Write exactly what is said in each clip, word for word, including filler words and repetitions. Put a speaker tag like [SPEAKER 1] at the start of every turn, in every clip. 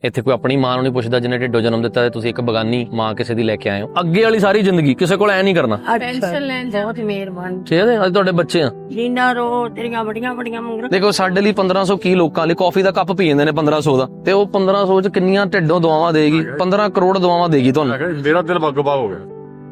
[SPEAKER 1] ਇੱਥੇ ਕੋਈ ਆਪਣੀ ਮਾਂ ਨੂੰ ਨਹੀਂ ਪੁੱਛਦਾ ਜਿਹਨੇ ਢਿੱਡੋਂ ਜਨਮ ਦਿੱਤਾ ਹੈ। ਤੁਸੀਂ ਇੱਕ ਬਗਾਨੀ ਮਾਂ ਕਿਸੇ ਦੀ ਲੈ ਕੇ ਆਏ ਹੋ। ਅੱਗੇ ਵਾਲੀ ਸਾਰੀ ਜ਼ਿੰਦਗੀ ਕਿਸੇ ਕੋਲ ਐ ਨਹੀਂ ਕਰਨਾ।
[SPEAKER 2] ਪੈਨਸ਼ਨ ਲੈਣ ਬਹੁਤ ਮਿਹਰਬਾਨ
[SPEAKER 1] ਠੀਕ ਹੈ, ਅੱਜ ਤੁਹਾਡੇ ਬੱਚੇ ਆ।
[SPEAKER 2] ਜਿੰਨਾ ਰੋ ਤੇਰੀਆਂ ਬੜੀਆਂ ਬੜੀਆਂ ਮੰਗਾਂ।
[SPEAKER 1] ਦੇਖੋ ਸਾਡੇ ਲਈ ਪੰਦਰਾਂ ਸੌ ਕੀ ਲੋਕਾਂ ਲਈ ਕਾਫੀ ਦਾ ਕੱਪ ਪੀ ਜਾਂਦੇ ਨੇ ਪੰਦਰਾਂ ਸੌ ਦਾ, ਤੇ ਉਹ ਪੰਦਰਾਂ ਸੌ ਚ ਕਿੰਨੀਆਂ ਢਿੱਡੋਂ ਦੁਆਵਾਂ ਦੇਗੀ। ਪੰਦਰਾਂ ਕਰੋੜ ਦੁਆਵਾਂ ਦੇਗੀ ਤੁਹਾਨੂੰ।
[SPEAKER 3] ਮੇਰਾ ਦਿਲ ਬਾਗੋ ਬਾਗ ਹੋ ਗਿਆ।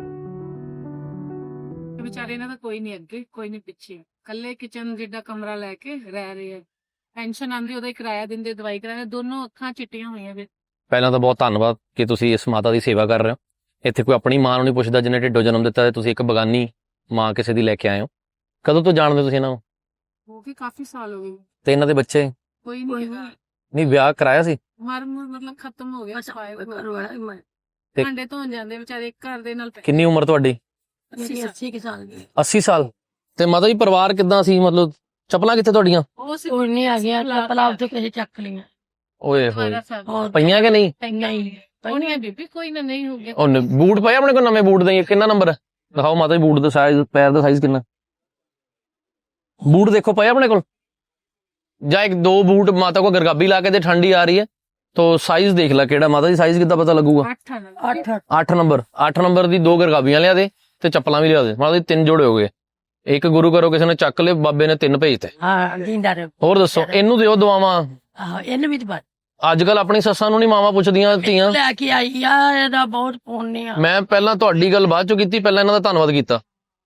[SPEAKER 4] ਵਿਚਾਰੇ ਇਹਨਾਂ ਦਾ ਕੋਈ ਨਹੀਂ ਅੱਗੇ ਕੋਈ ਨਹੀਂ ਪਿੱਛੇ, ਕੱਲੇ ਕਿਚਨ ਜਿੱਡਾ ਕਮਰਾ ਲੈ ਕੇ ਰਹਿ ਰਹੇ ਆ। ਪੈਨਸ਼ਨ ਆਂਦੀ ਉਹਦਾ ਹੀ ਕਿਰਾਇਆ ਦਿੰਦੇ, ਦਵਾਈ ਕਰਾਇਆ, ਦੋਨੋਂ ਅੱਖਾਂ ਚਿੱਟੀਆਂ ਹੋਈਆਂ ਵੇ।
[SPEAKER 1] ਪਹਿਲਾਂ ਤਾਂ ਬਹੁਤ ਧੰਨਵਾਦ ਕਿ ਤੁਸੀਂ ਇਸ ਮਾਤਾ ਦੀ ਸੇਵਾ ਕਰ ਰਹੇ ਹੋ। ਇੱਥੇ ਕੋਈ ਆਪਣੀ ਮਾਂ ਨੂੰ ਨਹੀਂ ਪੁੱਛਦਾ ਜਿਹਨੇ ਢਿੱਡੋਂ ਜਨਮ ਦਿੱਤਾ ਹੈ। ਤੁਸੀਂ ਇੱਕ ਬਗਾਨੀ ਮਾਂ ਕਿਸੇ ਦੀ ਲੈ ਕੇ ਆਏ ਹੋ। ਕਦੋਂ ਤੋਂ ਜਾਣਦੇ ਹੋ ਤੁਸੀਂ ਇਹਨਾਂ ਨੂੰ?
[SPEAKER 4] ਹੋ ਗਏ ਕਾਫੀ ਸਾਲ ਹੋ ਗਏ।
[SPEAKER 1] ਤੇ ਇਹਨਾਂ ਦੇ ਬੱਚੇ?
[SPEAKER 4] ਕੋਈ ਨਹੀਂ ਹੈਗਾ।
[SPEAKER 1] ਨਹੀਂ, ਵਿਆਹ ਕਰਾਇਆ ਸੀ?
[SPEAKER 4] ਮਰ ਮੁਰ ਮਤਲਬ ਖਤਮ ਹੋ ਗਿਆ।
[SPEAKER 1] ਤੇ-
[SPEAKER 4] ਭਾਂਡੇ ਧੋਣ ਜਾਂਦੇ ਵਿਚਾਰੇ ਘਰ ਦੇ ਨਾਲ।
[SPEAKER 1] ਕਿੰਨੀ ਉਮਰ ਤੁਹਾਡੀ?
[SPEAKER 2] अस्सी साल की
[SPEAKER 1] अस्सी साल। ਤੇ ਮਾਤਾ ਜੀ ਪਰਿਵਾਰ ਕਿੱਦਾਂ ਸੀ? ਮਤਲਬ ਚੱਪਲਾਂ ਕਿੱਥੇ ਤੁਹਾਡੀਆਂ?
[SPEAKER 4] ਉਹ ਸੀ
[SPEAKER 2] कोई नहीं आ गया चप्पला उसे कैसे चक लिया
[SPEAKER 1] ਓਏ ਹੋਏ,
[SPEAKER 4] ਹਮਾਰਾ ਸਾਹਿਬ
[SPEAKER 2] और
[SPEAKER 1] ਪਈਆਂ ਕਿ ਨਹੀਂ?
[SPEAKER 2] पहना ही
[SPEAKER 4] ਉਹ ਨਹੀਂ ਹੈ ਬੀਬੀ, ਕੋਈ ਨਾ ਨਹੀਂ ਹੋ ਗਿਆ।
[SPEAKER 1] ਉਹ ਨ- ਬੂਟ ਪਏ ਆਪਣੇ ਕੋਲ ਨਵੇਂ ਬੂਟ ਦੇ? ਕਿੰਨਾ ਨੰਬਰ ਹੈ? ਦਿਖਾਓ ਮਾਤਾ ਜੀ ਬੂਟ ਦਾ ਸਾਈਜ਼, ਪੈਰ ਦਾ ਸਾਈਜ਼ ਕਿੰਨਾ? ਬੂਟ ਦੇਖੋ ਪਏ ਆਪਣੇ ਕੋਲ। ਜਾਂ ਇੱਕ ਦੋ ਬੂਟ ਮਾਤਾ ਕੋ ਗਰਗਾਬੀ ਲਾ ਕੇ ਤੇ ਠੰਡੀ ਆ ਰਹੀ ਹੈ तो ਸਾਈਜ਼ ਦੇਖ ਲੈ ਕਿਹੜਾ। ਮਾਤਾ ਜੀ ਸਾਈਜ਼ ਕਿੱਦਾਂ ਪਤਾ ਲੱਗੂਗਾ?
[SPEAKER 4] ਅੱਠ ਨਾ
[SPEAKER 2] आठ
[SPEAKER 1] ਅੱਠ ਨੰਬਰ। ਅੱਠ ਨੰਬਰ ਦੀ ਦੋ ਗਰਗਾਬੀਆਂ ਲਿਆ ਦੇ ਤੇ ਚੱਪਲਾਂ ਵੀ ਲਿਆ ਦੇ। ਮਾਤਾ ਜੀ ਤਿੰਨ ਜੋੜੇ ਹੋ ਗਏ। ਇੱਕ ਗੁਰੂ ਘਰੋਂ ਕਿਸੇ ਨੇ ਚੱਕ ਲਏ, ਬਾਬੇ ਨੇ ਤਿੰਨ ਭੇਜਤੇ।
[SPEAKER 2] हाँ जिंदा रहे
[SPEAKER 1] ਹੋਰ ਦੱਸੋ, ਇਹਨੂੰ ਦਿਓ ਦੁਆਵਾਂ।
[SPEAKER 2] हाँ इन्हें भी तो बात
[SPEAKER 1] ਅੱਜ ਕੱਲ ਆਪਣੀ ਸੱਸਾਂ ਨੂੰ ਨਹੀਂ ਮਾਵਾਂ ਪੁੱਛਦੀਆਂ ਧੀਆਂ।
[SPEAKER 2] लेके आई यार ਇਹਦਾ ਬਹੁਤ ਪੁੰਨ ਆ।
[SPEAKER 1] ਮੈਂ ਪਹਿਲਾਂ ਤੁਹਾਡੀ ਗੱਲ ਬਾਅਦ ਚੋਂ ਕੀਤੀ, ਪਹਿਲਾਂ ਇਹਨਾਂ ਦਾ ਧੰਨਵਾਦ ਕੀਤਾ।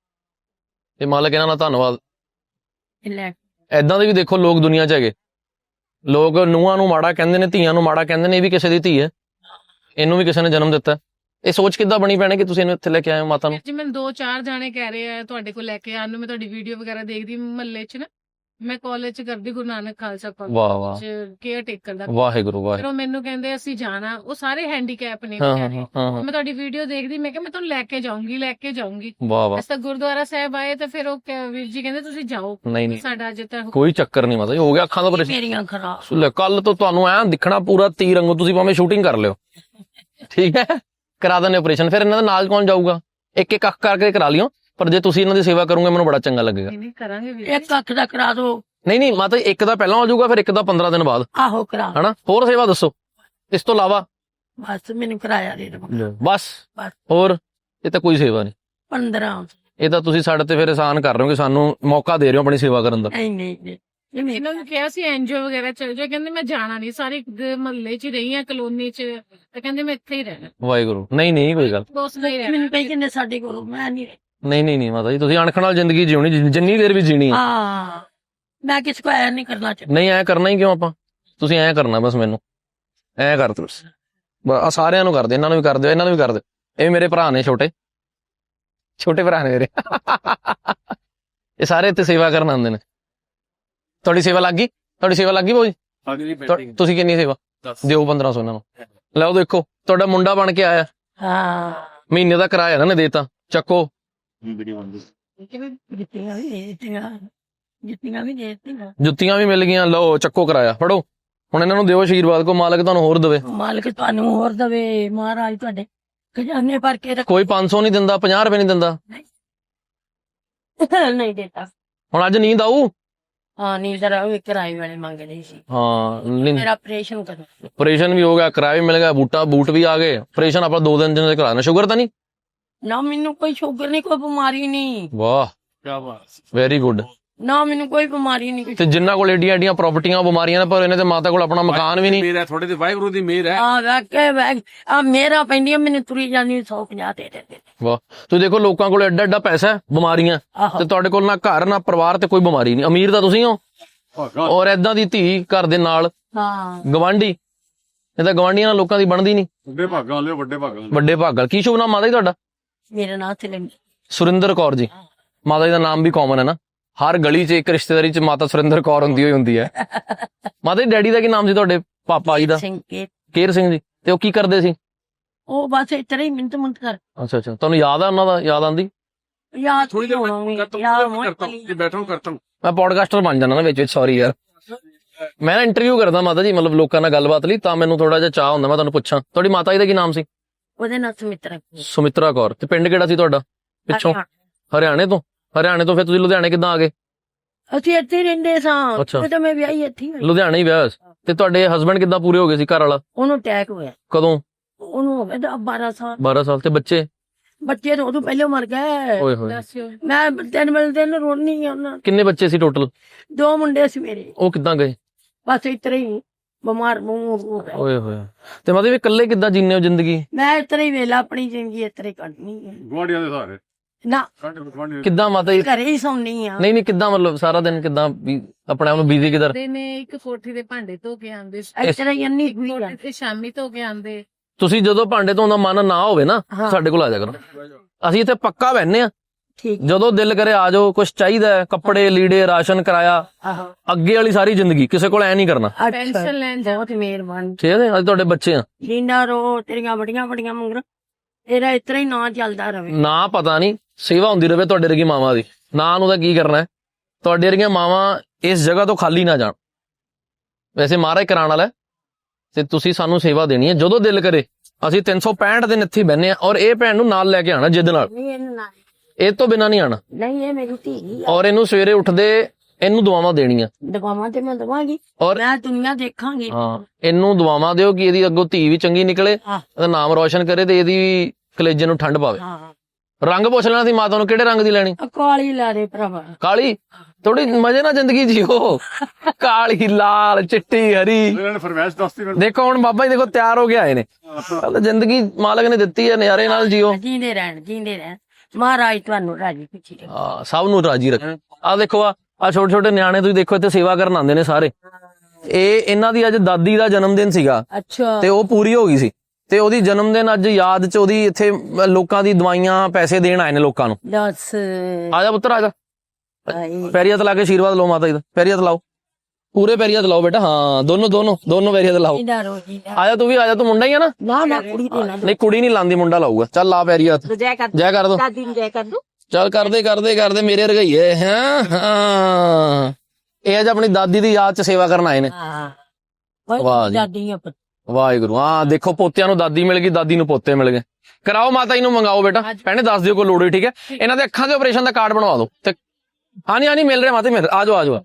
[SPEAKER 1] ਤੇ ਮਾਲਕ ਇਹਨਾਂ ਦਾ ਧੰਨਵਾਦ।
[SPEAKER 2] ਲੈ
[SPEAKER 1] ਐਦਾਂ ਦੇ ਵੀ ਦੇਖੋ ਲੋਕ ਦੁਨੀਆ 'ਚ ਹੈਗੇ। ਲੋਕ ਨੂੰਹਾਂ ਨੂੰ ਮਾੜਾ ਕਹਿੰਦੇ ਨੇ, ਧੀਆਂ ਨੂੰ ਮਾੜਾ ਕਹਿੰਦੇ ਨੇ। ਇਹ ਵੀ ਕਿਸੇ ਦੀ ਧੀ ਹੈ, ਇਹਨੂੰ ਵੀ ਕਿਸੇ ਨੇ ਜਨਮ ਦਿੱਤਾ। ਇਹ ਸੋਚ ਕਿੱਦਾਂ ਬਣੀ ਭੈਣੇ ਕਿ ਤੁਸੀਂ ਇਹਨੂੰ ਇੱਥੇ ਲੈ ਕੇ ਆਏ ਹੋ ਮਾਤਾ ਨੂੰ?
[SPEAKER 4] ਜੀ ਮੈਨੂੰ ਦੋ ਚਾਰ ਜਾਣੇ ਕਹਿ ਰਹੇ ਆ ਤੁਹਾਡੇ ਕੋਲ ਲੈ ਕੇ ਆਉਣ ਨੂੰ। ਮੈਂ ਤੁਹਾਡੀ ਵੀਡੀਓ ਵਗੈਰਾ ਦੇਖਦੀ ਮਹੱਲੇ 'ਚ ਨਾ। ਮੈਂ ਕਾਲਜ 'ਚ ਕਰਦੀ ਗੁਰੂ ਨਾਨਕ ਖਾਲਸਾ ਕਾਲਜ
[SPEAKER 1] ਵਾਹ ਵਾਹ,
[SPEAKER 4] 'ਚ ਕੇਅਰ ਟੇਕਰ ਦਾ।
[SPEAKER 1] ਵਾਹਿਗੁਰੂ
[SPEAKER 4] ਫਿਰ
[SPEAKER 1] ਵਾਹਿਗੁਰੂ।
[SPEAKER 4] ਉਹ ਮੈਨੂੰ ਕਹਿੰਦੇ ਅਸੀਂ ਜਾਣਾ। ਉਹ ਸਾਰੇ ਹੈਂਡੀਕੈਪ ਨੇ
[SPEAKER 1] ਹਾਂ
[SPEAKER 4] ਵਿਚਾਰੇ।
[SPEAKER 1] ਹਾਂ ਹਾਂ ਹਾਂ,
[SPEAKER 4] ਮੈਂ ਤੁਹਾਡੀ ਵੀਡੀਓ ਦੇਖਦੀ, ਮੈਂ ਕਿਹਾ ਮੈਂ ਤੁਹਾਨੂੰ ਲੈ ਕੇ ਜਾਊਂਗੀ ਲੈ ਕੇ ਜਾਊਂਗੀ।
[SPEAKER 1] ਵਾਹ ਵਾਹ।
[SPEAKER 4] ਅਸੀਂ ਤਾਂ ਗੁਰਦੁਆਰਾ ਸਾਹਿਬ ਆਏ ਤੇ ਫਿਰ ਉਹ ਕਹਿ- ਵੀਰ ਜੀ ਕਹਿੰਦੇ ਤੁਸੀਂ ਜਾਓ।
[SPEAKER 1] ਨਹੀਂ ਨਹੀਂ,
[SPEAKER 4] ਸਾਡਾ ਅਜੇ ਤੱਕ
[SPEAKER 1] ਕੋਈ ਚੱਕਰ ਨਹੀਂ ਮਾਤਾ ਜੀ। ਹੋ ਗਿਆ ਅੱਖਾਂ ਦਾ ਆਪਰੇਸ਼ਨ।
[SPEAKER 2] ਮੇਰੀਆਂ ਖਰਾਬ
[SPEAKER 1] ਲੈ ਕੱਲ ਤੋਂ ਤੁਹਾਨੂੰ ਐਂ ਦਿਖਣਾ ਪੂਰਾ ਤੀਰ ਵਾਂਗੂ। ਤੁਸੀਂ ਭਾਵੇਂ ਸ਼ੂਟਿੰਗ ਕਰ ਲਿਓ, ਠੀਕ ਹੈ? ਕਰਾ ਦਿੰਦੇ ਆਪਰੇਸ਼ਨ। ਫਿਰ ਇਹਨਾਂ ਦੇ ਨਾਲ ਕੌਣ ਜਾਊਗਾ? ਇੱਕ ਇੱਕ ਅੱਖ ਕਰਕੇ ਕਰਾ ਲਿਓ। ਪਰ ਜੇ ਤੁਸੀਂ ਇਹਨਾਂ ਦੀ ਸੇਵਾ ਕਰੋਗੇ ਮੈਨੂੰ ਬੜਾ ਚੰਗਾ ਲੱਗੇਗਾ।
[SPEAKER 4] ਨਹੀਂ ਕਰਾਂਗੇ ਵੀਰ
[SPEAKER 2] ਇੱਕ ਅੱਖ ਦਾ ਕਰਾ ਦੋ।
[SPEAKER 1] ਨਹੀਂ ਨਹੀਂ ਮਾਤਾ ਜੀ, ਇੱਕ ਦਾ ਪਹਿਲਾਂ ਹੋ ਜਾਊਗਾ, ਫਿਰ ਇੱਕ ਦਾ ਪੰਦਰਾਂ ਦਿਨ ਬਾਅਦ,
[SPEAKER 2] ਆਹੋ ਕਰਾ
[SPEAKER 1] ਹਨਾ? ਹੋਰ ਸੇਵਾ ਦੱਸੋ ਇਸ ਤੋਂ ਇਲਾਵਾ?
[SPEAKER 2] ਬਸ ਮੈਨੂੰ ਕਰਾਇਆ ਦੇ ਦੋ
[SPEAKER 1] ਬਸ
[SPEAKER 2] ਬਸ।
[SPEAKER 1] ਹੋਰ ਇਹ ਤਾਂ ਕੋਈ ਸੇਵਾ ਨਹੀਂ।
[SPEAKER 2] ਪੰਦਰਾਂ
[SPEAKER 1] ਇਹ ਤਾਂ ਤੁਸੀਂ ਸਾਡੇ ਤੇ ਫਿਰ ਆਸਾਨ ਕਰ ਰਹੇ ਹੋ ਕਿ ਸਾਨੂੰ ਮੌਕਾ ਦੇ ਰਹੇ ਹੋ ਆਪਣੀ ਸੇਵਾ ਕਰਨ ਦਾ।
[SPEAKER 2] ਨਹੀਂ ਨਹੀਂ ਨਹੀਂ ਇਹ ਮੇਰਾ
[SPEAKER 4] ਇਹਨਾਂ ਨੂੰ ਕਿਹਾ ਸੀ ਐਨਜੀਓ ਵਗੈਰਾ ਚਲ ਜਾਓ। ਕਹਿੰਦੇ ਮੈਂ ਜਾਣਾ ਨਹੀਂ। ਸਾਰੇ ਮਹੱਲੇ 'ਚ ਹੀ ਰਹੀ ਆ, ਕਲੋਨੀ 'ਚ। ਤੇ ਕਹਿੰਦੇ ਮੈਂ ਇੱਥੇ ਹੀ ਰਹਿਣਾ।
[SPEAKER 1] ਵਾਹਿਗੁਰੂ। ਨਹੀਂ ਨਹੀਂ ਕੋਈ ਗੱਲ
[SPEAKER 4] ਦੋਸਤ ਨਹੀਂ ਰਹਿਣਾ।
[SPEAKER 2] ਮੈਨੂੰ ਕਹੀ ਕਿੰਨੇ ਸਾਡੇ ਕੋਲ ਮੈਂ ਨਹੀਂ
[SPEAKER 1] ਨਹੀਂ ਨਹੀਂ ਨਹੀਂ ਮਾਤਾ ਜੀ, ਤੁਸੀਂ ਅਣਖ ਨਾਲ ਜ਼ਿੰਦਗੀ ਜਿਉਣੀ, ਜਿ- ਜਿੰਨੀ ਦੇਰ ਵੀ ਜੀਣੀ ਹੈ।
[SPEAKER 2] ਹਾਂ ਮੈਂ ਕਿਸ ਕੋ ਐ ਨਹੀਂ ਕਰਨਾ ਚਾਹੁੰਦਾ।
[SPEAKER 1] ਨਹੀਂ ਐ ਕਰਨਾ ਹੀ ਕਿਉਂ ਆਪਾਂ? ਤੁਸੀਂ ਐ ਕਰਨਾ ਬਸ, ਮੈਨੂੰ ਐ ਕਰ ਦਿਓ ਬਸ। ਬ- ਆਹ ਸਾਰਿਆਂ ਨੂੰ ਕਰਦੇ, ਇਹਨਾਂ ਨੂੰ ਵੀ ਕਰ ਦਿਓ, ਇਹਨਾਂ ਨੂੰ ਵੀ ਕਰ ਦਿਓ। ਇਹ ਵੀ ਮੇਰੇ ਭਰਾ ਨੇ, ਛੋਟੇ ਛੋਟੇ ਭਰਾ ਨੇ ਮੇਰੇ। ਇਹ ਸਾਰੇ ਇੱਥੇ ਸੇਵਾ ਕਰਨ ਆਉਂਦੇ ਨੇ। ਤੁਹਾਡੀ ਸੇਵਾ ਲੱਗ ਗਈ? ਤੁਹਾਡੀ ਸੇਵਾ ਲੱਗ ਗਈ ਭਾਊ ਜੀ? ਤੁਹਾ- ਤੁਸੀਂ ਕਿੰਨੀ ਸੇਵਾ? ਦਿਓ ਪੰਦਰਾਂ ਸੌ ਇਹਨਾਂ ਨੂੰ। ਲਓ ਦੇਖੋ ਤੁਹਾਡਾ ਮੁੰਡਾ ਬਣ ਕੇ ਆਇਆ।
[SPEAKER 2] ਹਾਂ
[SPEAKER 1] ਮਹੀਨੇ ਦਾ ਕਿਰਾਇਆ ਇਹਨਾਂ ਨੇ ਦੇਤਾ। ਚੱਕੋ।
[SPEAKER 2] ਜਿੱਤੀਆਂ ਵੀ ਦੇ ਦਿੱਤੀਆਂ ਜਿੱਤੀਆਂ ਵੀ ਦੇ ਦਿੱਤੀਆਂ।
[SPEAKER 1] ਜੁੱਤੀਆਂ ਵੀ ਮਿਲ ਗਈਆਂ। ਲਓ ਚੱਕੋ ਕਿਰਾਇਆ, ਫੜੋ। ਹੁਣ ਇਹਨਾਂ ਨੂੰ ਦਿਓ ਆਸ਼ੀਰਵਾਦ, ਕੋ ਮਾਲਕ ਤੁਹਾਨੂੰ ਹੋਰ ਦੇਵੇ।
[SPEAKER 2] ਮਾਲਕ ਤੁਹਾਨੂੰ ਹੋਰ ਦਵੇ, ਮਹਾਰਾਜ ਤੁਹਾਡੇ ਖਜ਼ਾਨੇ ਭਰ ਕੇ ਰੱਖ।
[SPEAKER 1] ਕੋਈ ਪੰਜ ਸੌ ਨਹੀਂ ਦਿੰਦਾ, ਪੰਜਾਹ ਰੁਪਏ ਨਹੀਂ ਦਿੰਦਾ।
[SPEAKER 2] ਨਹੀਂ ਦੇਤਾ।
[SPEAKER 1] ਹੁਣ ਅੱਜ ਨੀਂਦ ਆਊ?
[SPEAKER 2] ਹਾਂ ਨੀਂਦਰ ਆਵੇ। ਕਿਰਾਏ ਵਾਲੇ ਮੰਗਦੇ ਸੀ
[SPEAKER 1] ਹਾਂ,
[SPEAKER 2] ਮੇਰਾ ਆਪਰੇਸ਼ਨ ਕਰਨਾ।
[SPEAKER 1] ਆਪਰੇਸ਼ਨ ਵੀ ਹੋ ਗਿਆ, ਕਿਰਾਇਆ ਵੀ ਮਿਲ ਗਿਆ, ਬੂਟਾ ਬੂਟ ਵੀ ਆ ਗਏ। ਆਪਰੇਸ਼ਨ ਆਪਾਂ ਦੋ ਦਿਨ ਦੇ ਕਰਾਣਾ। ਸ਼ੂਗਰ ਤਾਂ ਨਹੀਂ?
[SPEAKER 2] ਨਾ ਮੈਨੂੰ ਕੋਈ ਸ਼ੂਗਰ ਨਹੀਂ, ਕੋਈ ਬਿਮਾਰੀ ਨਹੀਂ।
[SPEAKER 1] ਵਾਹ,
[SPEAKER 3] ਕੀ ਬਾਤ।
[SPEAKER 1] Very good.
[SPEAKER 2] ਨਾ ਮੈਨੂੰ ਕੋਈ ਬਿਮਾਰੀ ਨਹੀਂ।
[SPEAKER 1] ਤੇ ਜਿੰਨਾਂ ਕੋਲ ਏਡੀਆਂ ਏਡੀਆਂ ਪ੍ਰਾਪਰਟੀਆਂ ਬਿਮਾਰੀਆਂ ਨੇ, ਪਰ ਇਹਨੇ ਤੇ ਮਾਤਾ ਕੋਲ ਆਪਣਾ ਮਕਾਨ ਵੀ ਨਹੀਂ।
[SPEAKER 3] ਮੇਰਾ ਥੋੜੇ ਦੀ ਵਾਹਿਗੁਰੂ ਦੀ ਮਿਹਰ ਹੈ।
[SPEAKER 2] ਆ ਵੇਖੇ ਵੇਖ ਆ ਮੇਰਾ ਪੈਂਦੀ ਆ, ਮੈਨੂੰ ਤੁਰੀ ਜਾਂਦੀ ਸੌ ਪੰਜਾਹ ਦੇ ਦੇ ਦੇ।
[SPEAKER 1] ਵਾਹ, ਤੁਸੀਂ ਦੇਖੋ ਲੋਕਾਂ ਕੋਲ ਐਡਾ ਐਡਾ ਪੈਸਾ ਹੈ, ਬਿਮਾਰੀਆਂ,
[SPEAKER 2] ਆਹੋ
[SPEAKER 1] ਤੇ ਤੁਹਾਡੇ ਕੋਲ ਨਾ ਘਰ ਨਾ ਪਰਿਵਾਰ ਤੇ ਕੋਈ ਬਿਮਾਰੀ ਨਹੀਂ। ਅਮੀਰ ਤਾਂ ਤੁਸੀਂ ਹੋ। ਔਰ ਏਦਾਂ ਦੀ ਧੀ ਘਰ ਦੇ ਨਾਲ
[SPEAKER 2] ਹਾਂ
[SPEAKER 1] ਗਵਾਂਢੀ। ਇਹ ਤਾਂ ਗਵਾਂਢੀਆਂ ਨਾਲ ਲੋਕਾਂ ਦੀ ਬਣਦੀ ਨਹੀਂ।
[SPEAKER 3] ਵੱਡੇ ਭਾਗਾਂ ਵਾਲੇ ਵੱਡੇ ਭਾਗਾਂ ਵਾਲੇ।
[SPEAKER 1] ਵੱਡੇ ਭਾਗਲ। ਕੀ ਸ਼ੁਭ ਨਾਮ ਮਾਤਾ ਜੀ ਤੁਹਾਡਾ?
[SPEAKER 2] ਮੇਰਾ ਨਾਂ ਤੇ
[SPEAKER 1] ਸੁਰਿੰਦਰ ਕੌਰ ਜੀ। ਮਾਤਾ ਜੀ ਦਾ ਨਾਮ ਵੀ ਕਾਮਨ ਹੈ ਨਾ, ਹਰ ਗਲੀ 'ਚ ਇੱਕ ਰਿਸ਼ਤੇਦਾਰੀ 'ਚ ਮਾਤਾ ਸੁਰਿੰਦਰ ਕੌਰ ਹੁੰਦੀ ਹੋਈ ਹੁੰਦੀ ਹੈ। ਮਾਤਾ ਜੀ ਡੈਡੀ ਦਾ ਕੀ ਨਾਮ ਸੀ ਤੁਹਾਡੇ ਪਾਪਾ ਜੀ ਦਾ?
[SPEAKER 2] ਸਿੰਘ ਕੇ
[SPEAKER 1] ਕੇਰ ਸਿੰਘ ਜੀ। ਤੇ ਉਹ ਕੀ ਕਰਦੇ ਸੀ?
[SPEAKER 2] ਉਹ ਬਸ ਇਤਰੇ ਹੀ ਮਿੰਟ ਮਿੰਟ ਕਰ
[SPEAKER 1] ਅੱਛਾ ਅੱਛਾ, ਤੁਹਾਨੂੰ ਯਾਦ ਆ ਉਹਨਾਂ ਦਾ? ਯਾਦ ਆਂਦੀ?
[SPEAKER 2] ਯਾਦ
[SPEAKER 3] ਥੋੜੀ ਦੇਰ
[SPEAKER 2] ਹੋਣਾ ਵੀ,
[SPEAKER 3] ਕਰਤਾ
[SPEAKER 2] ਯਾਦ
[SPEAKER 3] ਹੂੰ करता हूँ ये बैठा हूँ करता हूँ।
[SPEAKER 1] ਮੈਂ ਪੋਡਕਾਸਟਰ ਬਣ ਜਾਣਾ ਨਾ ਵਿੱਚ ਵਿੱਚ। ਸੌਰੀ ਯਾਰ, ਮੈਂ ਨਾ ਇੰਟਰਵਿਊ ਕਰਦਾ ਮਾਤਾ ਜੀ, ਮਤਲਬ ਲੋਕਾਂ ਨਾਲ ਗੱਲਬਾਤ ਲਈ, ਤਾਂ ਮੈਨੂੰ ਥੋੜਾ ਜਿਹਾ ਚਾਹ ਹੁੰਦਾ ਮੈਂ ਤੁਹਾਨੂੰ ਪੁੱਛਾਂ। ਤੁਹਾਡੀ ਮਾਤਾ ਜੀ ਦਾ ਕੀ ਨਾਮ ਸੀ?
[SPEAKER 2] ਉਹਦੇ ਨਾਲ ਸੁਮਿਤਰਾ
[SPEAKER 1] ਸੁਮਿਤਰਾ ਕੌਰ। ਤੇ ਪਿੰਡ ਕਿਹੜਾ ਸੀ ਤੁਹਾਡਾ ਪਿੱਛੋਂ? ਹਰਿਆਣੇ ਤੋਂ। ਹਰਿਆਣੇ ਤੋਂ ਫਿਰ ਤੁਸੀਂ ਲੁਧਿਆਣੇ ਕਿੱਦਾਂ ਆ ਗਏ?
[SPEAKER 2] ਅਸੀਂ ਇੱਥੇ ਹੀ ਰਹਿੰਦੇ ਸਾਂ।
[SPEAKER 1] ਅੱਛਾ।
[SPEAKER 2] ਉਹ ਤਾਂ ਮੈਂ ਵਿਆਹੀ ਇੱਥੇ ਹੀ ਹੋਈ।
[SPEAKER 1] ਲੁਧਿਆਣੇ ਹੀ ਵਿਆਹ ਹੋਇਆ ਸੀ। ਤੇ ਤੁਹਾਡੇ ਹਸਬੰਡ ਕਿੱਦਾਂ ਪੂਰੇ ਹੋ ਗਏ ਸੀ ਘਰ ਵਾਲਾ?
[SPEAKER 2] ਉਹਨੂੰ ਅਟੈਕ ਹੋਇਆ,
[SPEAKER 1] ਕਦੋਂ?
[SPEAKER 2] ਉਹਨੂੰ ਹੋ ਗਿਆ ਬਾਰਾਂ ਸਾਲ।
[SPEAKER 1] ਬਾਰਾਂ ਸਾਲ ਤੇ ਬੱਚੇ?
[SPEAKER 2] ਬੱਚੇ ਤਾਂ ਉਦੋਂ ਪਹਿਲੇ ਮਰ ਗਏ।
[SPEAKER 1] ਓਏ ਹੋਏ।
[SPEAKER 4] ਦੱਸਿਓ
[SPEAKER 2] ਮੈਂ ਤਿੰਨ ਮਿਲ ਦਿਨ ਰੋਣੀ ਆ ਉਹਨਾਂ।
[SPEAKER 1] ਕਿੰਨੇ ਬੱਚੇ ਸੀ ਟੋਟਲ?
[SPEAKER 2] ਦੋ ਮੁੰਡੇ ਸੀ ਮੇਰੇ,
[SPEAKER 1] ਉਹ ਕਿੱਦਾਂ ਗਏ?
[SPEAKER 2] ਬਸ ਇਤਰੇ ਹੀ ਬਿਮਾਰ ਮੂੰਹ ਹੋ ਗਏ।
[SPEAKER 1] ਓਏ ਹੋਏ। ਤੇ ਮਤਲਬ ਇਹ ਇਕੱਲੇ ਕਿੱਦਾਂ ਜੀਨੇ ਹੋ ਜ਼ਿੰਦਗੀ?
[SPEAKER 2] ਮੈਂ ਇਤਰੇ ਹੀ ਵੇਲਾ ਆਪਣੀ ਜ਼ਿੰਦਗੀ ਇਤਰੇ ਕੱਢਣੀ ਹੈ।
[SPEAKER 3] ਗਵਾਂਡੀਆਂ ਦੇ ਸਾਰੇ
[SPEAKER 2] ਨਾ
[SPEAKER 3] ਗਵਾਂਡੀਆਂ
[SPEAKER 1] ਕਿੱਦਾਂ ਮਾਤਾ ਜੀ?
[SPEAKER 2] ਘਰੇ ਹੀ ਸੌਣੀ ਆ।
[SPEAKER 1] ਨਹੀਂ ਨਹੀਂ ਕਿੱਦਾਂ ਮਤਲਬ ਸਾਰਾ ਦਿਨ ਕਿੱਦਾਂ ਵੀ ਆਪਣੇ ਆਪ ਨੂੰ ਬਿਜ਼ੀ ਕਿੱਧਰ?
[SPEAKER 4] ਦੇ ਨੇ ਇੱਕ ਕੋਠੀ ਦੇ ਭਾਂਡੇ ਧੋ ਕੇ ਆਂਦੇ,
[SPEAKER 2] ਇਤਰੇ ਹੀ ਇੰਨੀ ਹੋਈ ਆ।
[SPEAKER 4] ਕੋਠੀ ਤੇ ਸ਼ਾਮੀ ਧੋ ਕੇ ਆਂਦੇ।
[SPEAKER 1] ਤੁਸੀਂ ਜਦੋਂ ਭਾਂਡੇ ਧੋਣ ਦਾ ਮਨ ਨਾ ਹੋਵੇ ਨਾ
[SPEAKER 2] ਹਾਂ।
[SPEAKER 1] ਸਾਡੇ ਕੋਲ ਆ ਜਾ ਕਰੋ, ਅਸੀਂ ਇੱਥੇ ਪੱਕਾ ਬਹਿੰਦੇ ਆ।
[SPEAKER 2] ਠੀਕ।
[SPEAKER 1] ਜਦੋਂ ਦਿਲ ਕਰੇ ਆ ਜਾਓ, ਕੁਝ ਚਾਹੀਦਾ ਹੈ, ਕੱਪੜੇ ਲੀੜੇ ਰਾਸ਼ਨ ਕਿਰਾਇਆ,
[SPEAKER 2] ਆਹੋ
[SPEAKER 1] ਅੱਗੇ ਵਾਲੀ ਸਾਰੀ ਜ਼ਿੰਦਗੀ ਕਿਸੇ ਕੋਲ ਐ ਨਹੀਂ ਕਰਨਾ।
[SPEAKER 2] ਪੈਨਸ਼ਨ
[SPEAKER 4] ਲੈਣ ਜਾ-
[SPEAKER 2] ਬਹੁਤ ਮਿਹਰਬਾਨ।
[SPEAKER 1] ਠੀਕ ਹੈ? ਅੱਜ ਤੁਹਾਡੇ ਬੱਚੇ ਆ,
[SPEAKER 2] ਜਿੰਦਾ ਰੋ ਤੇਰੀਆਂ ਬੜੀਆਂ ਬੜੀਆਂ ਮੰਗਰ, ਇਹਦਾ ਇਤਰਾ ਹੀ ਨਾਂ ਚੱਲਦਾ ਰਵੇ।
[SPEAKER 1] ਨਾ ਪਤਾ ਨਹੀਂ ਸੇਵਾ ਹੁੰਦੀ ਰਵੇ ਤੁਹਾਡੇ ਵਰਗੀ ਮਾਵਾਂ ਦੀ। ਨਾ ਉਹਦਾ ਕੀ ਕਰਨਾ ਹੈ? ਤੁਹਾਡੇ ਵਰਗੀਆਂ ਮਾਵਾਂ ਇਸ ਜਗ੍ਹਾ ਤੋਂ ਖਾਲੀ ਨਾ ਜਾਣ। ਵੈਸੇ ਮਹਾਰਾਜ ਕਰਾਉਣ ਵਾਲਾ ਹੈ, ਤੇ ਤੁਸੀਂ ਸਾਨੂੰ ਸੇਵਾ ਦੇਣੀ ਹੈ ਜਦੋਂ ਦਿਲ ਕਰੇ। ਅਸੀਂ ਤਿੰਨ ਸੌ ਪੈਂਹਠ ਦਿਨ ਇੱਥੇ ਬਹਿੰਦੇ ਆ, ਔਰ ਇਹ ਭੈਣ ਨੂੰ ਨਾਲ ਲੈ ਕੇ ਆਣਾ ਜਿੱਦ ਨਾਲ,
[SPEAKER 2] ਨਹੀਂ ਇਹਨੂੰ ਨਾ,
[SPEAKER 1] ਇਹ ਤੋਂ ਬਿਨਾਂ ਨਹੀਂ ਆਣਾ।
[SPEAKER 2] ਨਹੀਂ ਇਹ ਮੇਰੀ ਧੀ ਆ।
[SPEAKER 1] ਔਰ ਇਹਨੂੰ ਸਵੇਰੇ ਉੱਠਦੇ ਇਹਨੂੰ ਦੁਆਵਾਂ ਦੇਣੀਆਂ,
[SPEAKER 2] ਦਵਾਵਾਂ ਤੇ ਮੈਂ ਦਵਾਂਗੀ,
[SPEAKER 1] ਔਰ
[SPEAKER 2] ਮੈਂ ਦੁਨੀਆ ਦੇਖਾਂਗੀ।
[SPEAKER 1] ਹਾਂ ਇਹਨੂੰ ਦੁਆਵਾਂ ਦਿਓ ਕਿ ਇਹਦੀ ਅੱਗੋਂ ਧੀ ਵੀ ਚੰਗੀ ਨਿਕਲੇ,
[SPEAKER 2] ਹਾਂ।
[SPEAKER 1] ਇਹਦਾ ਨਾਮ ਰੌਸ਼ਨ ਕਰੇ ਤੇ ਇਹਦੀ ਵੀ ਕਲੇਜੇ ਨੂੰ ਠੰਡ ਪਾਵੇ।
[SPEAKER 2] ਹਾਂ
[SPEAKER 1] ਰੰਗ ਪੁੱਛ ਲੈਣਾ ਸੀ ਮਾਤਾ ਨੂੰ, ਕਿਹੜੇ ਰੰਗ ਦੀ ਲੈਣੀ?
[SPEAKER 2] ਕਾਲੀ ਲਾ ਦੇ ਭਰਾਵਾ।
[SPEAKER 1] ਕਾਲੀ? ਥੋੜੀ ਮਜ਼ੇ ਨਾਲ ਜ਼ਿੰਦਗੀ ਜੀਓ। ਕਾਲੀ, ਲਾਲ, ਚਿੱਟੀ, ਹਰੀ।
[SPEAKER 3] ਇਹਨਾਂ ਨੇ ਫਰਮਾਇਸ਼ ਦੱਸਤੀ ਮੈਨੂੰ।
[SPEAKER 1] ਦੇਖੋ ਹੁਣ ਬਾਬਾ ਜੀ ਦੇਖੋ ਤਿਆਰ ਹੋ ਕੇ ਆਏ ਨੇ। ਤਾਂ ਜ਼ਿੰਦਗੀ ਮਾਲਕ ਨੇ ਦਿੱਤੀ ਹੈ, ਨਜ਼ਾਰੇ ਨਾਲ ਜੀਓ।
[SPEAKER 2] ਜੀਂਦੇ ਰਹਿਣ ਜੀਂਦੇ ਰਹਿਣ, ਮਹਾਰਾਜ ਤੁਹਾਨੂੰ ਰਾਜੀ ਖੁਸ਼ੀ ਰੱਖੇ।
[SPEAKER 1] ਹਾਂ ਸਭ ਨੂੰ ਰਾਜੀ ਰੱਖੇ। ਆ ਦੇਖੋ ਆ ਆ ਛੋਟੇ ਛੋਟੇ ਨਿਆਣੇ ਤੁਸੀਂ ਦੇਖੋ ਇੱਥੇ ਸੇਵਾ ਕਰਨ ਆਉਂਦੇ ਨੇ ਸਾਰੇ। ਇਹ ਇਹਨਾਂ ਦੀ ਅੱਜ ਦਾਦੀ ਦਾ ਜਨਮ ਦਿਨ ਸੀਗਾ
[SPEAKER 2] ਅੱਛਾ।
[SPEAKER 1] ਤੇ ਉਹ ਪੂਰੀ ਹੋ ਗਈ ਸੀ, ਤੇ ਉਹਦੀ ਜਨਮ ਦਿਨ ਅੱਜ ਯਾਦ ਚ ਉਹਦੀ ਇੱਥੇ ਲੋਕਾਂ ਦੀ ਦਵਾਈਆਂ ਪੈਸੇ ਦੇਣ ਆਏ ਨੇ ਲੋਕਾਂ ਨੂੰ।
[SPEAKER 2] ਦੱਸ
[SPEAKER 1] ਆ ਜਾ ਪੁੱਤਰ ਆ ਜਾ,
[SPEAKER 2] ਭਾਈ
[SPEAKER 1] ਪੈਰੀ ਹੱਥ ਲਾ ਕੇ ਆਸ਼ੀਰਵਾਦ ਲਓ ਮਾਤਾ ਜੀ ਦਾ। ਪੈਰੀ ਹੱਥ ਲਾਓ, ਪੂਰੇ ਪੈਰੀ ਹੱਥ ਲਾਓ ਬੇਟਾ। ਹਾਂ ਦੋਨੋਂ ਦੋਨੋਂ ਦੋਨੋਂ ਪੈਰੀ ਹੱਥ ਲਾਓ।
[SPEAKER 2] ਜੀਂਦਾ ਰੋ ਜੀਂਦਾ।
[SPEAKER 1] ਆ ਜਾ ਤੂੰ ਵੀ ਆ ਜਾ, ਤੂੰ ਮੁੰਡਾ ਹੀ ਆ ਨਾ?
[SPEAKER 2] ਨਾ ਨਾ ਕੁੜੀ ਤੇ ਨਾ
[SPEAKER 1] ਨਹੀਂ ਕੁੜੀ ਨਹੀਂ ਲਾਂਦੀ, ਮੁੰਡਾ ਲਾਊਗਾ। ਚੱਲ ਲਾ ਪੈਰੀ ਹੱਥ,
[SPEAKER 2] ਜੈ ਕਰ
[SPEAKER 1] ਜੈ ਕਰ ਦੋ।
[SPEAKER 2] ਦਾਦੀ ਨੂੰ ਜੈ ਕਰ ਦੋ।
[SPEAKER 1] ਚੱਲ ਕਰਦੇ ਕਰਦੇ ਕਰਦੇ ਮੇਰੇ ਰਗਈਏ। ਹਾਂ ਹਾਂ ਇਹ ਅੱਜ ਆਪਣੀ ਦਾਦੀ ਦੀ ਯਾਦ ਚ ਸੇਵਾ ਕਰਨ ਆਏ ਨੇ।
[SPEAKER 2] ਹਾਂ
[SPEAKER 1] ਵਾਹ ਜੀ।
[SPEAKER 2] ਦਾਦੀ ਆ ਪੁੱਤ।
[SPEAKER 1] ਵਾਹਿਗੁਰੂ। ਹਾਂ ਦੇਖੋ ਪੋਤਿਆਂ ਨੂੰ ਦਾਦੀ ਮਿਲ ਗਈ, ਦਾਦੀ ਨੂੰ ਪੋਤੇ ਮਿਲ ਗਏ। ਕਰਾਓ ਮਾਤਾ ਜੀ ਨੂੰ, ਮੰਗਾਓ ਬੇਟਾ। ਭੈਣੇ ਦੱਸ ਦਿਓ ਕੋਈ ਲੋੜ ਹੋਈ, ਠੀਕ ਹੈ? ਇਹਨਾਂ ਦੇ ਅੱਖਾਂ ਦੇ ਆਪਰੇਸ਼ਨ ਦਾ ਕਾਰਡ ਬਣਵਾ ਦਿਓ। ਤੇ ਹਾਂ ਨਹੀਂ ਹਾਂ ਨਹੀਂ ਮਿਲ ਰਿਹਾ ਮਾਤਾ, ਮਿਲ ਆ ਜਾਓ ਆ ਜਾਓ।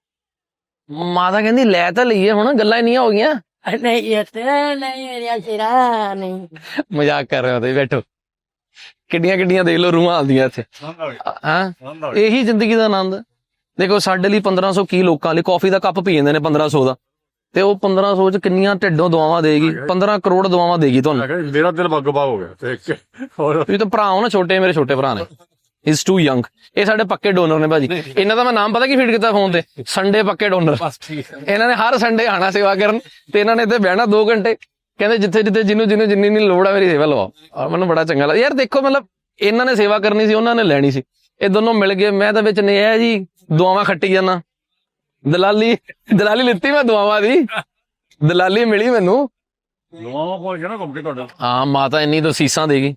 [SPEAKER 1] ਮਾਤਾ ਕਹਿੰਦੀ ਲੈ ਤਾਂ ਲਈਏ, ਹੁਣ ਗੱਲਾਂ ਇੰਨੀਆਂ ਹੋ ਗਈਆਂ।
[SPEAKER 2] ਨਹੀਂ ਇਹ ਤੇ ਨਹੀਂ ਮੇਰਾ ਸਿਰਾ ਨਹੀਂ।
[SPEAKER 1] ਮਜ਼ਾਕ ਕਰ ਰਹੇ ਹੋ ਤੁਸੀਂ, ਬੈਠੋ। ਕਿੱਡੀਆਂ ਕਿੱਡੀਆਂ ਦੇਖ ਲਓ ਰੂਹਾਂ ਆਉਂਦੀਆਂ ਇੱਥੇ। ਹਾਂ ਇਹੀ ਜ਼ਿੰਦਗੀ ਦਾ ਆਨੰਦ। ਦੇਖੋ ਸਾਡੇ ਲਈ ਪੰਦਰਾਂ ਸੌ ਕੀ ਲੋਕਾਂ ਲਈ ਕੌਫੀ ਦਾ ਕੱਪ ਪੀ ਜਾਂਦੇ ਨੇ ਪੰਦਰਾਂ ਸੌ ਦਾ, ਤੇ ਉਹ ਪੰਦਰਾਂ ਸੌ ਚ ਕਿੰਨੀਆਂ ਢਿੱਡੋਂ ਦੁਆਵਾਂ ਦੇਗੀ? ਪੰਦਰਾਂ ਕਰੋੜ ਦੁਆਵਾਂ ਦੇਗੀ ਤੁਹਾਨੂੰ।
[SPEAKER 3] ਮੇਰਾ ਦਿਲ ਬੱਗ-ਬੱਗ ਹੋ ਗਿਆ ਦੇਖ ਕੇ। ਹੋਰ
[SPEAKER 1] ਤੁਸੀਂ ਤਾਂ ਭਰਾ ਹੋ ਨਾ ਛੋਟੇ, ਮੇਰੇ ਛੋਟੇ ਭਰਾ ਨੇ। Is too young. ਇਹ ਸਾਡੇ ਪੱਕੇ ਡੋਨਰ ਨੇ ਭਾਜੀ। ਇਹਨਾਂ ਦਾ ਮੈਂ ਨਾਮ ਪਤਾ ਕੀ ਫੀਡ ਕੀਤਾ ਫੋਨ ਤੇ? ਸੰਡੇ ਪੱਕੇ ਡੋਨਰ।
[SPEAKER 3] ਬਸ ਠੀਕ ਹੈ।
[SPEAKER 1] ਇਹਨਾਂ ਨੇ ਹਰ ਸੰਡੇ ਆਣਾ ਸੇਵਾ ਕਰਨ, ਤੇ ਇਹਨਾਂ ਨੇ ਇੱਥੇ ਬਹਿਣਾ ਦੋ ਘੰਟੇ। ਕਹਿੰਦੇ ਜਿੱਥੇ ਜਿੱਥੇ ਜਿਹਨੂੰ ਜਿਹਨੂੰ ਜਿੰਨੀ ਨਹੀਂ ਲੋੜ ਆ ਮੇਰੀ ਸੇਵਾ ਲਵਾਓ। ਔਰ ਮੈਨੂੰ ਬੜਾ ਚੰਗਾ ਲੱਗਦਾ ਯਾਰ। ਦੇਖੋ ਮਤਲਬ ਇਹਨਾਂ ਨੇ ਸੇਵਾ ਕਰਨੀ ਸੀ, ਉਹਨਾਂ ਨੇ ਲੈਣੀ ਸੀ, ਇਹ ਦੋਨੋਂ ਮਿਲ ਗਏ। ਮੈਂ ਤਾਂ ਵਿੱਚ ਨਹੀਂ ਆਇਆ ਜੀ, ਦੁਆਵਾਂ ਖੱਟੀ ਜਾਣਾ। ਦਲਾਲੀ ਦਲਾਲੀ ਲਿੱਤੀ ਮੈਂ ਦੁਆਵਾਂ ਦੀ, ਦਲਾਲੀ ਮਿਲੀ ਮੈਨੂੰ।
[SPEAKER 3] ਨਵਾਂ ਕੋਲ ਗਿਆ ਨਾ ਘੁੰਮ ਕੇ ਤੁਹਾਡਾ।
[SPEAKER 1] ਹਾਂ ਮਾਤਾ ਇੰਨੀ ਤਾਂ ਸੀਸਾਂ ਦੇਗੀ।